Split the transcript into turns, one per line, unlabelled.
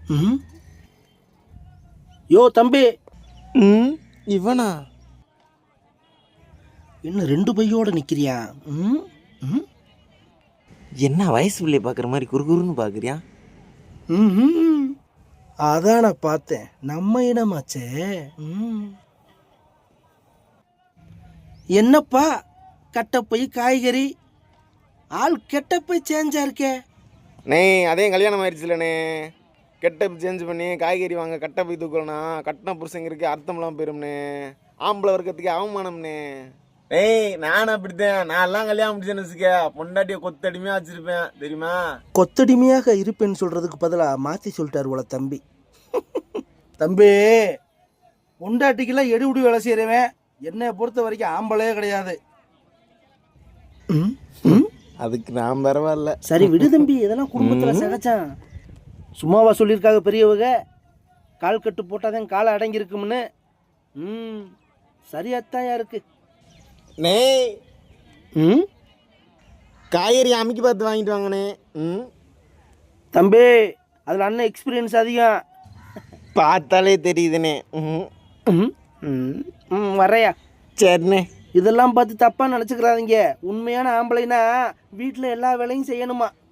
ம் யோ தம்பி.
இவனா
என்ன 2 பையோட நிற்கிறியா? ம் ம்
என்ன வயசு பிள்ளைய பார்க்குற மாதிரி குறுகுறுன்னு பார்க்குறியா?
ம் அதான் நான் பார்த்தேன். நம்ம இடமாச்சே. ம் என்னப்பா கட்டப்பை காய்கறி ஆள் கெட்டப்பை சேஞ்சா இருக்கே.
நே அதே கல்யாணம் ஆயிடுச்சுலண்ணே. கெட்டப் சேஞ்ச் பண்ணி காய்கறி வாங்க கட்டை போய் தூக்கலண்ணா கட்டின புருஷங்கிறதுக்கு அர்த்தம்லாம் போயிரும்ண்ணே. ஆம்பளை வர்க்கத்துக்கு அவமானம்ண்ணே. ஏய் நானும் அப்படித்தான். நான் எல்லாம் கல்யாணம் முடிச்சேன்னு வச்சுக்க பொண்டாட்டியை கொத்தடிமையாக வச்சுருப்பேன் தெரியுமா?
கொத்தடிமையாக இருப்பேன்னு சொல்கிறதுக்கு பதிலாக மாற்றி சொல்லிட்டார் போல தம்பி. தம்பி பொண்டாட்டிக்கெல்லாம் எடுபடி வேலை செய்கிறவன் என்னை பொறுத்த வரைக்கும் ஆம்பளையே கிடையாது.
அதுக்கு நான் பரவாயில்ல.
சரி விடு தம்பி, இதெல்லாம் குடும்பத்தில் சகச்சான். சும்மாவா சொல்லியிருக்காங்க பெரியவங்க, கால் கட்டு போட்டாதான் காலை அடங்கியிருக்கும்னு. சரியாத்தான் இருக்கு.
நே காய்கறி அமைக்கி பார்த்து வாங்கிட்டு வாங்கண்ணே.
தம்பி அதில் அண்ணன் எக்ஸ்பீரியன்ஸ் அதிகம்.
பார்த்தாலே தெரியுதுண்ணே.
வரையா?
சரிண்ணே.
இதெல்லாம் பார்த்து தப்பாக நினச்சிக்கிறாதீங்க. உண்மையான ஆம்பளைனா வீட்டில் எல்லா வேலையும் செய்யணுமா.